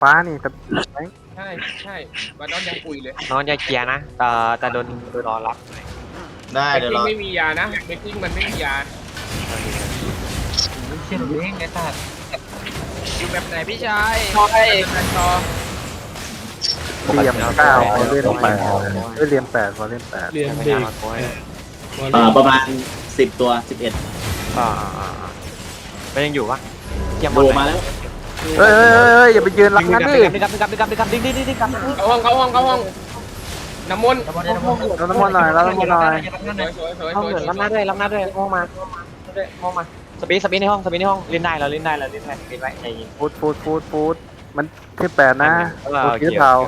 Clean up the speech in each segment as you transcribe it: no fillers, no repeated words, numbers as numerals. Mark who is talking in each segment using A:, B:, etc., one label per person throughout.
A: ฟ้านี่แต่
B: ใช่ใช่บาดอนยังคุยเลย
C: น้องจะเคลียร์นะแต่โดนรอรับ
D: ได้
B: เบก
D: เดี๋ยว
B: กิ้
D: รง อ
B: ไม่มียานะเบกกิ้งมันไม่มียา
E: เชี่ยเด้งไอ้สัตว์
B: อยู่แบบไหนพี่ชาย
C: ใช่
B: แบบต่อ
A: เหลี่ยม9วอลเล่น8เหลี่ยม8วอลเล่น8
E: เรียน
C: ไม่
E: เด็
C: ได้
E: ก
C: มาโกย
D: ประมาณ10 ตัว 11
C: อ่ามันยังอยู่ปะเทียม
D: โดมาแล้ว
A: เฮ้ยอย่าไปยืนรับงั้นดิ
C: ดึงกลับดึงกลับ
B: เข้าห้องน้ำมนต์
A: เราน้ำมันหน่อยเราน้ำมันหน่อย
B: สวย
C: ห้องเหมือนรับหน้าด้วยห้องมาสปีดในห้องเล่นได้เราเล่นได้ปิดไว้ใจเย็น
A: ฟูดมันที่8นะฟูดที่เทา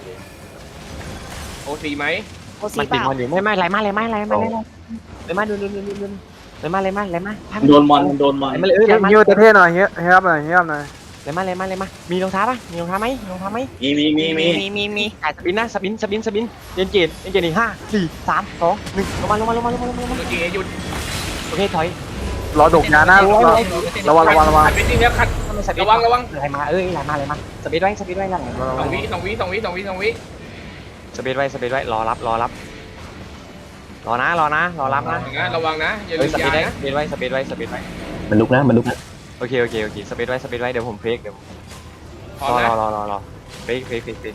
B: โอซีไหม
C: มันติดมันอยู่ไม่ไรมาเลยมาดูเลยมา
D: โดนมอนโดนมอน
C: มาเลย
A: ฮิวเท่หน่อยเฮียบหน่อย
C: เลยมามีรองเท้าปะมีรองเท้าไหม
D: มี
C: ถ่ายสปินนะสปินเย็นเกตอีก5 4 3 2 1ลงมา
B: โอเคหยุด
C: โอเคถอย
A: รอดกยานะระวัง
B: ขัดเป็นจริงแล้วขัดระวัง
C: ไหลมาไหลมาสปีดไว้หลัง
B: 2 วิ
C: สปีดไว้รอรับรอรับนะรอรับนะ
B: ระวังนะอย่า
C: เฮ้
B: ลื
C: ย
B: ม
C: สปี
B: ยา
C: ดไว้
B: นะ
C: สปีดไว้
E: มันลุกนะ
C: โอเคสปีดไว้เดี๋ยวผมเฟกเดี๋ยว
B: พร้อมนะ
C: รอเฟก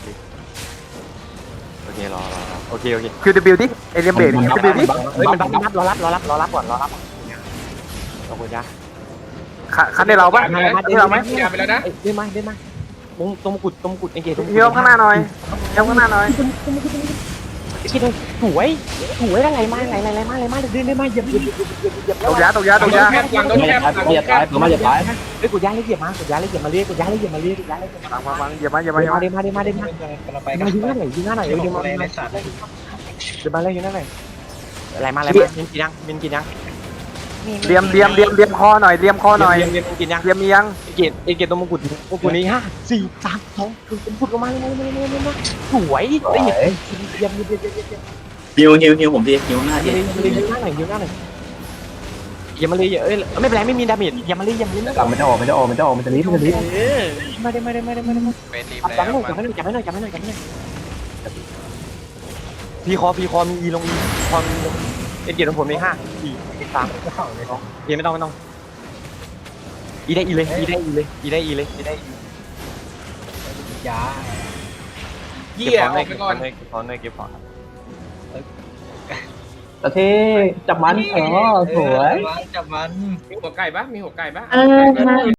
C: โอเครอโอเค
A: QW ดิเอเลียมเบรก QW ดิ
C: เฮ้ยมันบัฟรอรับก่อนรอรับขอบคุณจ้า
A: คันได้เราปะ
B: ได้เราไหมยาไปแล้วนะ
C: เดินมาตรงกุดเองเกต
A: เฮียข้างหน้าหน่อยเฮียข้างหน้าหน่อย
C: คิดเลยสวยอะไรมาเดินมาเหยียบ
A: ตกยา
B: หลังโดนแคบหลังโดนแคบ
C: เฮ้ยกดยาเลยเหยียบมาเรียกมาเรียก
A: ฟังอย่ามา
C: เดินมายิงหน้าหน่อยเดินมายิงหน้าหน่อยเดินมาเลยยิงหน้าหน่อยมินกินยัง
A: เลียมคอหน่อยเลียมคอหน่อย
C: กินยัง
A: เลียมมียัง
C: เกตตรงมงกุฎนี้5 4 3 2คุณพุดลงมาเลยสวยเยี่ยม
D: ฮิวผมทีฮิวหน้าที
C: ยิงหน้าหน่อยอย่ามาเลยไม่เป็นไรไม่มีดาเมจอย่ามาเลย
E: มันจะออกมันจะรีบ
C: ไม่ได้
B: เป็นรีบ
C: จับ
B: แล้ว
C: ไม่หน่อยจับไม่หน่อยพีคอมีอีลงอีคอมีลงเกตของผมมี5 4 3 2ไม่ต้องอีได้อีเลย
E: ยา
B: เยี่ยออกไปก่อน
C: เก็บของ
E: ตะเทจับมันสวยจับมัน
B: มีหัวไก่ปะ